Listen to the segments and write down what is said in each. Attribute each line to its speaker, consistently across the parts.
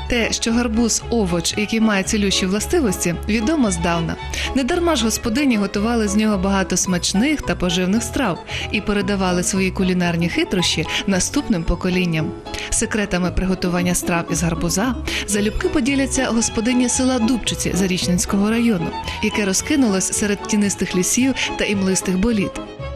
Speaker 1: Те, що гарбуз – овоч, який має цілющі властивості, відомо здавна. Недарма ж господині готували з нього багато смачних та поживних страв і передавали свої кулінарні хитрощі наступним поколінням. Секретами приготування страв із гарбуза залюбки поділяться господині села Дубчиці Зарічненського району, яке розкинулось серед тінистих лісів та імлистих боліт.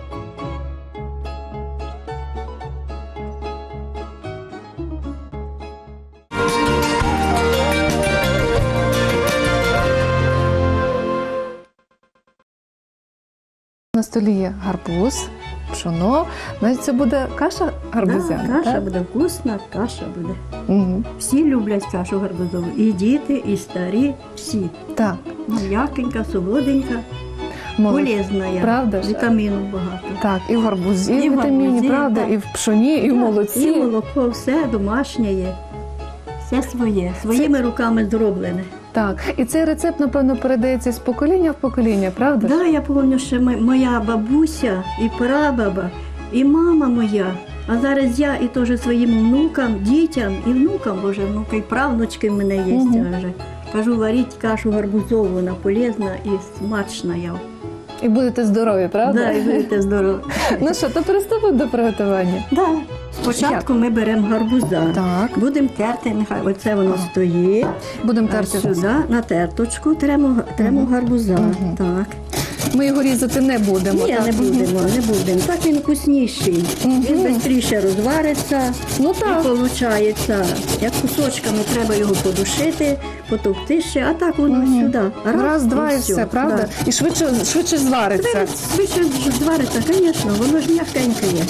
Speaker 1: На столі є гарбуз, пшоно. Значить, це буде каша гарбузяна,
Speaker 2: да, каша
Speaker 1: так?
Speaker 2: буде вкусна, каша буде.
Speaker 1: Угу.
Speaker 2: Всі люблять кашу гарбузову. І діти, і старі, всі.
Speaker 1: Так.
Speaker 2: М'якенька, солоденька, полезна.
Speaker 1: Правда ж?
Speaker 2: Вітамінів багато.
Speaker 1: Так, і в гарбузі
Speaker 2: І в
Speaker 1: вітаміні,
Speaker 2: гарбузі,
Speaker 1: правда,
Speaker 2: так.
Speaker 1: і в пшоні, і в молоці.
Speaker 2: І молоко, все домашнє є. Все своє, своїми руками зроблене.
Speaker 1: Так, і цей рецепт, напевно, передається з покоління в покоління, правда?
Speaker 2: Да, я пам'ятаю, що моя бабуся, і прабаба, і мама моя, а зараз я і теж своїм внукам, дітям і внукам, бо вже внуки і правнучки в мене є. Вже. Кажу, варіть кашу гарбузову, вона полезна і смачна.
Speaker 1: І будете здорові, правда?
Speaker 2: Да, і будете здорові.
Speaker 1: Ну що, то приступимо до приготування?
Speaker 2: Да. Спочатку ми беремо гарбуза.
Speaker 1: Так.
Speaker 2: Будемо терти, нехай оце воно стоїть.
Speaker 1: Будемо
Speaker 2: А
Speaker 1: терти.
Speaker 2: сюди на терточку тремо гарбуза. Так.
Speaker 1: Ми його різати не будемо.
Speaker 2: Ні,
Speaker 1: так?
Speaker 2: не будемо. Так він вкусніший. Він швидше розвариться.
Speaker 1: Ну так.
Speaker 2: І виходить, як кусочками треба його подушити, потовкти ще, а так воно сюди.
Speaker 1: Раз, два і все, правда?
Speaker 2: Да.
Speaker 1: І швидше звариться.
Speaker 2: Швидше звариться, звісно, воно ж м'якеньке є.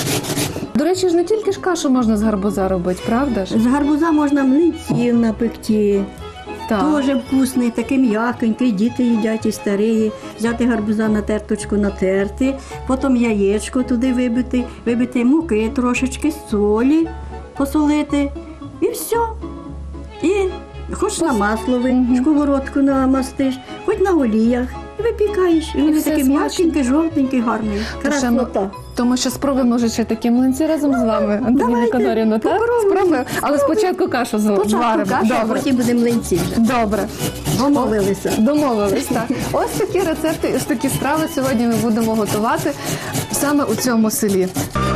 Speaker 1: До речі, ж не тільки ж кашу можна з гарбуза робити, правда ж?
Speaker 2: З гарбуза можна млинців напекти.
Speaker 1: Так.
Speaker 2: Дуже вкусний, такий м'якенький, діти їдять і старі. Взяти гарбуза на терточку натерти, потім яєчко туди вибити муки трошечки, солі посолити і все. І хоч на масло сковородку намастиш, хоч на оліях. Випікаєш, і він такий м'якенький, жовтенький, гарний. Красота.
Speaker 1: Тому що спробуємо вже ще такі млинці разом з вами, Антоніна Конорівна, так? Спробуємо. Але спочатку кашу зваримо.
Speaker 2: А потім будемо млинці вже.
Speaker 1: Добре. Домовились, так. Ось такі рецепти, ось такі страви сьогодні ми будемо готувати саме у цьому селі.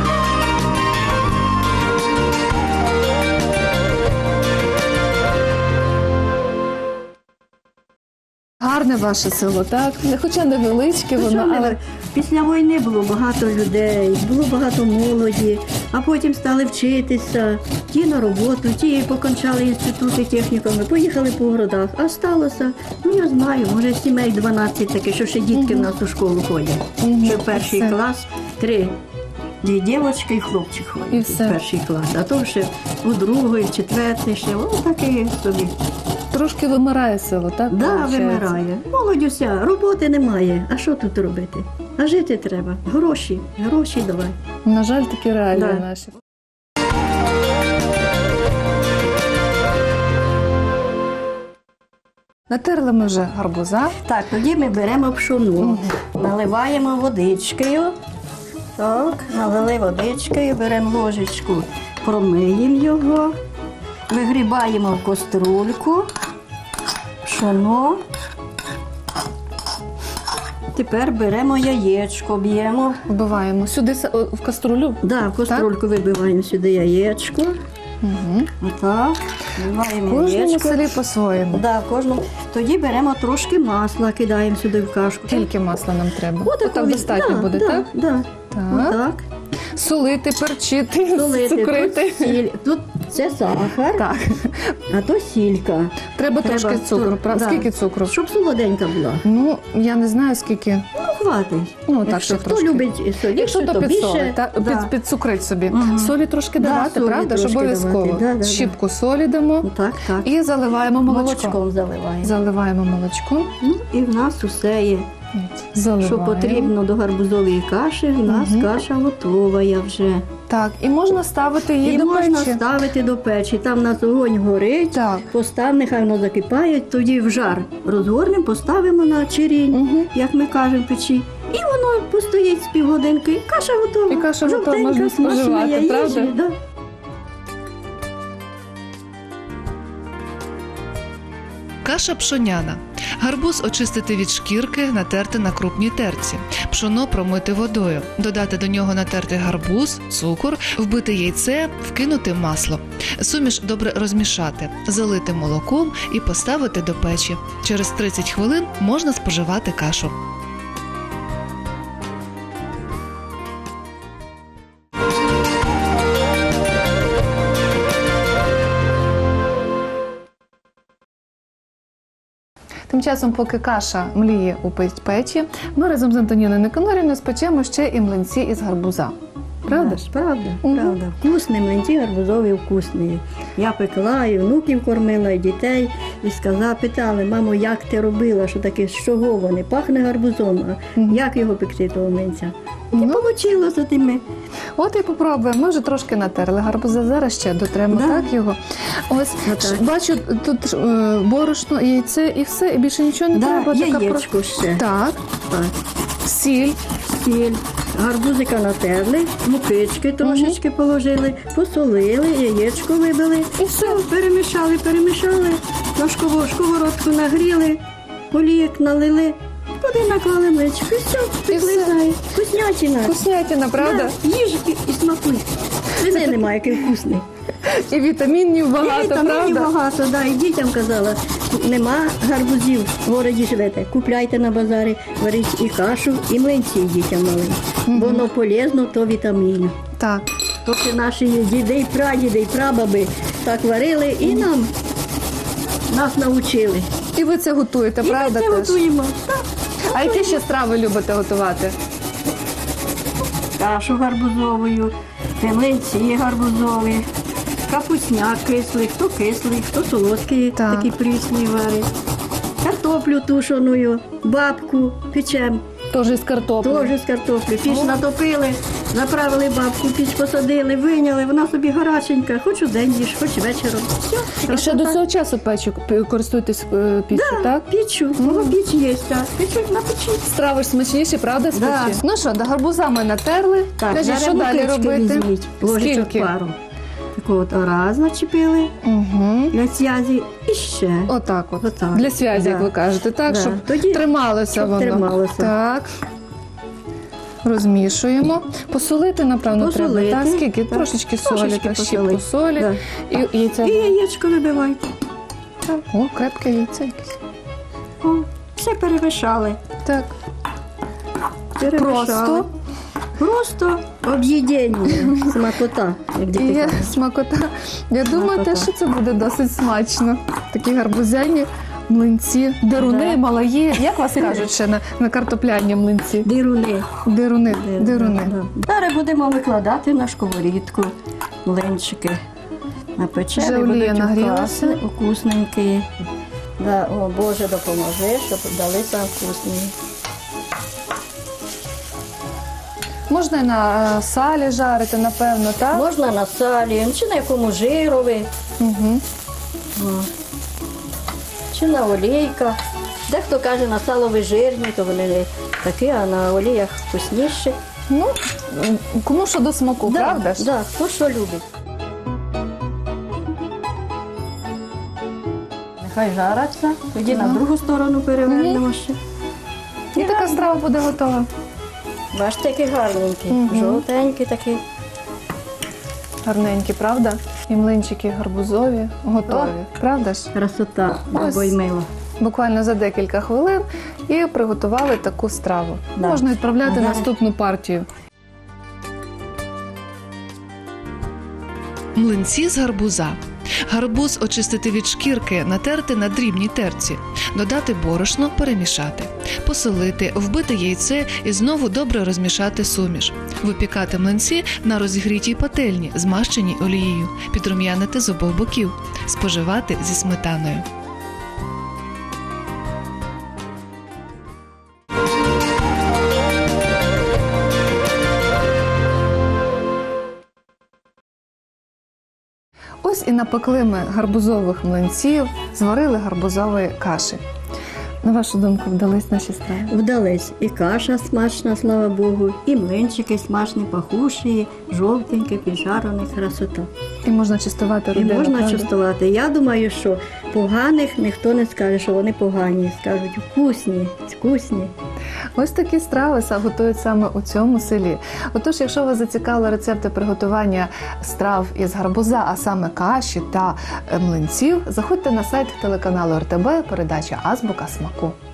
Speaker 1: Гарне ваше село, так? Хоча невеличке воно, але...
Speaker 2: Після війни було багато людей, було багато молоді, а потім стали вчитися, ті на роботу, ті покончали інститути, технікуми, поїхали по городах. А сталося, я знаю, може сімей 12 таке, що ще дітки в нас у школу ходять. Ще в перший клас 3 дівчинки і хлопчик ходять в перший клас, а то ще у другий, в четвертий ще, таке собі.
Speaker 1: Трошки вимирає село, так?
Speaker 2: Так, да, вимирає. Молодь уся, роботи немає. А що тут робити? А жити треба. Гроші давай.
Speaker 1: На жаль, такі реалії наші. Натерли ми вже гарбуза.
Speaker 2: Так, тоді ми беремо пшону, наливаємо водичкою. Так, налили водичкою, беремо ложечку, промиємо його, вигрібаємо в каструльку. Пшоно. Тепер беремо яєчко, б'ємо.
Speaker 1: Вбиваємо сюди в каструлю?
Speaker 2: Так, в каструльку вибиваємо сюди яєчко. Отак. Вбиваємо яєчко.
Speaker 1: В кожному селі по-своєму.
Speaker 2: Так, в кожному. Тоді беремо трошки масла, кидаємо сюди в кашку.
Speaker 1: Скільки масла нам треба? Отак достатньо буде, так?
Speaker 2: Так.
Speaker 1: Солити, перчити, цукрити.
Speaker 2: Тут це сахар,
Speaker 1: так.
Speaker 2: А то сілька.
Speaker 1: Треба трошки цукру. Скільки цукру?
Speaker 2: Щоб солоденька була.
Speaker 1: Ну, я не знаю, скільки.
Speaker 2: Хватить.
Speaker 1: Так,
Speaker 2: хто любить солі,
Speaker 1: якщо то підсолить, підцукрить собі. Солі трошки давати, правда? Ж обов'язково. Щіпку солі дамо.
Speaker 2: Так.
Speaker 1: І заливаємо
Speaker 2: молочком.
Speaker 1: Заливаємо молочком.
Speaker 2: І в нас усе є. Що потрібно до гарбузової каші, в нас каша готова вже.
Speaker 1: Так, і можна ставити її до печі.
Speaker 2: І можна ставити до печі. Там у нас огонь горить, постав, нехай воно закипає, тоді в жар розгорнемо, поставимо на чирінь, як ми кажемо, печі. І воно постоїть з півгодинки, і каша готова.
Speaker 1: І каша готова, можна споживати, правда? Каша пшоняна. Гарбуз очистити від шкірки, натерти на крупній терці. Пшоно промити водою. Додати до нього натертий гарбуз, цукор, вбити яйце, вкинути масло. Суміш добре розмішати, залити молоком і поставити до печі. Через 30 хвилин можна споживати кашу. Тим часом, поки каша мліє у печі, ми разом з Антоніною Никонорівною спечемо ще і млинці із гарбуза. Правда ж?
Speaker 2: Правда,
Speaker 1: Мгм.
Speaker 2: правда. Вкусні млинці гарбузові вкусні. Я пекла, і внуків кормила, і дітей. І питали, мамо, як ти робила, що таке, з чого вони? Пахне гарбузом, а
Speaker 1: Мгм.
Speaker 2: як його пекти, того млинця? І
Speaker 1: Ну.
Speaker 2: получило за тими.
Speaker 1: От і попробуємо. Ми вже трошки натерли гарбуза, зараз ще дотремо
Speaker 2: Да.
Speaker 1: так його. Ось,
Speaker 2: Отак.
Speaker 1: бачу, тут борошно, яйце і все, і більше нічого не треба. Така
Speaker 2: яєчко ще.
Speaker 1: Так,
Speaker 2: Так.
Speaker 1: сіль.
Speaker 2: Сіль, гарбузика натерли, мукички трошечки положили, посолили, яєчко вибили.
Speaker 1: І все.
Speaker 2: Перемішали, на сковородку нагріли, олійок налили, туди наклали млечко, і все, пекли.
Speaker 1: все.
Speaker 2: Вкуснятина.
Speaker 1: Вкуснятина, правда?
Speaker 2: Да, їж і смакуй. Свини немає, який вкусний.
Speaker 1: І вітамінів багато,
Speaker 2: І вітамінів
Speaker 1: правда?
Speaker 2: багато, да. І дітям казала, нема гарбузів, в городі живете, купляйте на базарі, варіть і кашу, і млинці дітям малим. Бо воно полезно, то вітамін.
Speaker 1: Так.
Speaker 2: Тобто наші діди, і прадіди, і прабаби так варили і нас навчили.
Speaker 1: І ви це готуєте,
Speaker 2: І
Speaker 1: правда?
Speaker 2: ми це
Speaker 1: теж?
Speaker 2: готуємо. Так.
Speaker 1: А які ще страви любите готувати?
Speaker 2: Кашу гарбузовою, млинці гарбузові, капусняк кислий, хто солодкий,
Speaker 1: Так.
Speaker 2: такі прісні варить. Картоплю тушеною, бабку печем,
Speaker 1: Теж із картоплею.
Speaker 2: теж з картоплі. Піч натопили, заправили бабку, піч посадили, виняли, вона собі гаряченька, хоч у день їж, хоч вечором. Все,
Speaker 1: І ще до цього часу користуєтесь піччю, так?
Speaker 2: Пічу, піч є, так. Печуть на печі.
Speaker 1: Страви ж смачніші, правда, з
Speaker 2: Да.
Speaker 1: печі? Ну що, до гарбуза ми натерли. Кажіть, що далі
Speaker 2: мукички
Speaker 1: робити?
Speaker 2: візьміть, ложечок
Speaker 1: Скільки?
Speaker 2: пару. Таку от раз начепили
Speaker 1: Угу.
Speaker 2: для зв'язі і ще.
Speaker 1: Отак от.
Speaker 2: Отак.
Speaker 1: Для зв'язі, як
Speaker 2: Да.
Speaker 1: ви кажете, так?
Speaker 2: Да.
Speaker 1: Щоб
Speaker 2: Тоді,
Speaker 1: трималося
Speaker 2: щоб
Speaker 1: воно.
Speaker 2: трималося.
Speaker 1: Так. Розмішуємо. Посолити, напевно,
Speaker 2: Посолити.
Speaker 1: треба. Так? Скільки?
Speaker 2: Так.
Speaker 1: Трошечки солі,
Speaker 2: Трошечки
Speaker 1: та щіпку
Speaker 2: посолити.
Speaker 1: солі.
Speaker 2: Да.
Speaker 1: І яйця.
Speaker 2: І яєчко вибивайте.
Speaker 1: О, крепке яйце якесь.
Speaker 2: О, все перемішали.
Speaker 1: Так.
Speaker 2: Перемішали. Просто об'їдення, смакота, як
Speaker 1: І
Speaker 2: діти
Speaker 1: є
Speaker 2: кажуть.
Speaker 1: смакота. Я думаю,
Speaker 2: Смакота.
Speaker 1: те, що це буде досить смачно. Такі гарбузяні млинці, деруни,
Speaker 2: Да.
Speaker 1: малаї. Як вас кажуть ще на картопляні млинці?
Speaker 2: Дируни.
Speaker 1: Деруни.
Speaker 2: Да. Зараз будемо викладати на сковорідку млинчики. Напечені,
Speaker 1: Вже олія
Speaker 2: будуть
Speaker 1: нагрілася.
Speaker 2: вкусні, вкусненькі. Да, о, Боже, допоможи, щоб далися вкусні.
Speaker 1: Можна і на салі жарити, напевно, так?
Speaker 2: Можна на салі, чи на якому жирові,
Speaker 1: Угу.
Speaker 2: чи на олійках. Дехто каже, на салові жирні, то вони не такі, а на оліях вкусніші.
Speaker 1: Ну, кому що до смаку, правда ж?
Speaker 2: Да, хто що любить. Нехай жараться, тоді на другу сторону перевернемо ще.
Speaker 1: І така страва буде готова.
Speaker 2: Бачите, які гарненькі, жовтенькі такі.
Speaker 1: Гарненькі, правда? І млинчики гарбузові готові, правда ж?
Speaker 2: Красота,
Speaker 1: Ось.
Speaker 2: бо й мило.
Speaker 1: Буквально за декілька хвилин і приготували таку страву.
Speaker 2: Да.
Speaker 1: Можна відправляти
Speaker 2: Ага.
Speaker 1: наступну партію. Млинці з гарбуза. Гарбуз очистити від шкірки, натерти на дрібній терці, додати борошно, перемішати, посолити, вбити яйце і знову добре розмішати суміш. Випікати млинці на розігрітій пательні, змащеній олією, підрум'янити з обох боків, споживати зі сметаною. Ось і напекли ми гарбузових млинців, зварили гарбузової каші. На вашу думку, вдались наші страви?
Speaker 2: Вдались. І каша смачна, слава Богу, і млинчики смачні, пахучі, жовтенькі, піджарені, красота.
Speaker 1: І можна частувати
Speaker 2: І
Speaker 1: родину,
Speaker 2: можна
Speaker 1: правда?
Speaker 2: частувати. Я думаю, що поганих ніхто не скаже, що вони погані. Скажуть, вкусні, вкусні.
Speaker 1: Ось такі страви готують саме у цьому селі. Отож, якщо вас зацікавили рецепти приготування страв із гарбуза, а саме каші та млинців, заходьте на сайт телеканалу РТБ, передача «Азбука смаку».